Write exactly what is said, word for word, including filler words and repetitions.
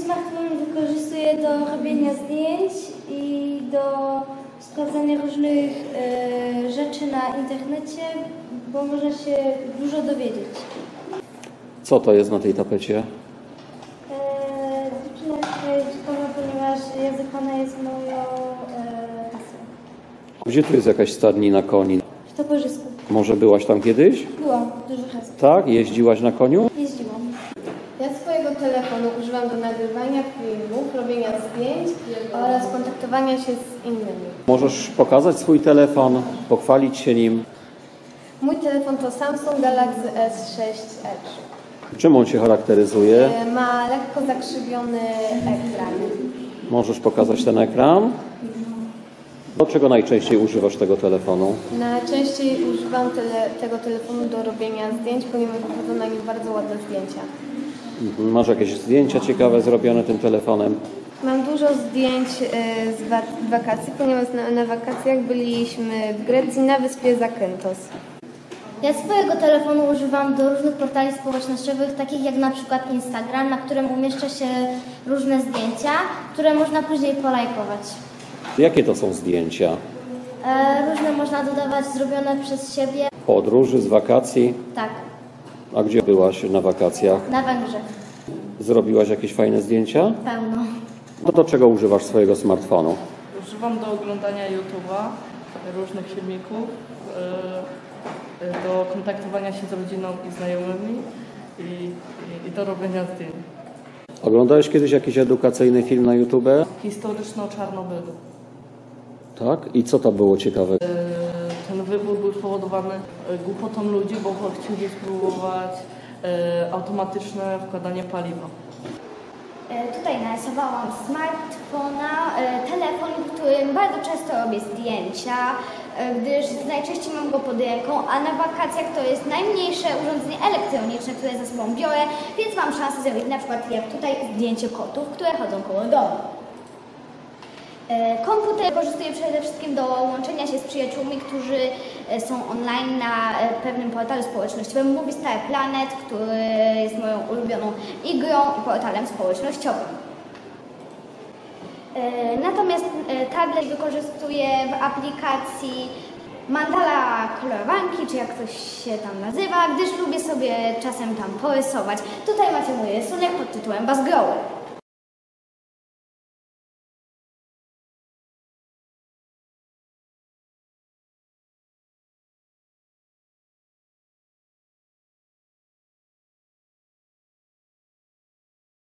smartfon wykorzystuję do robienia zdjęć i do sprawdzania różnych e, rzeczy na internecie, bo można się dużo dowiedzieć. Co to jest na tej tapecie? E, dziewczyna jest ciekawa, ponieważ językana jest moją e, pasją. Gdzie tu jest jakaś stadnina koni? W Toporzysku. Może byłaś tam kiedyś? Byłam dużo razy. Tak? Jeździłaś na koniu? Jeździłam. Ja swojego telefonu używam do nagrywania filmów, robienia zdjęć oraz kontaktowania się z innymi. Możesz pokazać swój telefon, pochwalić się nim. Mój telefon to Samsung Galaxy S sześć Edge. Czym on się charakteryzuje? Ma lekko zakrzywiony ekran. Możesz pokazać ten ekran? Do czego najczęściej używasz tego telefonu? Najczęściej używam tele, tego telefonu do robienia zdjęć, ponieważ wychodzą na nim bardzo ładne zdjęcia. Mhm. Masz jakieś zdjęcia ciekawe zrobione tym telefonem? Mam dużo zdjęć z wakacji, ponieważ na, na wakacjach byliśmy w Grecji na wyspie Zakynthos. Ja swojego telefonu używam do różnych portali społecznościowych, takich jak na przykład Instagram, na którym umieszcza się różne zdjęcia, które można później polajkować. Jakie to są zdjęcia? E, różne można dodawać, zrobione przez siebie. Podróży, z wakacji? Tak, A gdzie byłaś na wakacjach? na Węgrzech. Zrobiłaś jakieś fajne zdjęcia? Pełno. No do czego używasz swojego smartfonu? Używam do oglądania YouTube'a, różnych filmików, yy, do kontaktowania się z rodziną i znajomymi i, i, i do robienia zdjęć. Oglądałeś kiedyś jakiś edukacyjny film na YouTube? Historyczny o Czarnobylu. Tak? I co to było ciekawe? Yy, ten wybuch był spowodowany yy, głupotą ludzi, bo chcieli spróbować yy, automatyczne wkładanie paliwa. Tutaj narysowałam smartfona, telefon, którym bardzo często robię zdjęcia, gdyż najczęściej mam go pod ręką, a na wakacjach to jest najmniejsze urządzenie elektroniczne, które ze sobą biorę, więc mam szansę zrobić na przykład jak tutaj zdjęcie kotów, które chodzą koło domu. Komputer wykorzystuję przede wszystkim do łączenia się z przyjaciółmi, którzy są online na pewnym portalu społecznościowym Movie Star Planet, który jest moją ulubioną igrą i portalem społecznościowym. Natomiast tablet wykorzystuję w aplikacji Mandala kolorowanki, czy jak coś się tam nazywa, gdyż lubię sobie czasem tam porysować. Tutaj macie mój rysunek pod tytułem Bazgroły.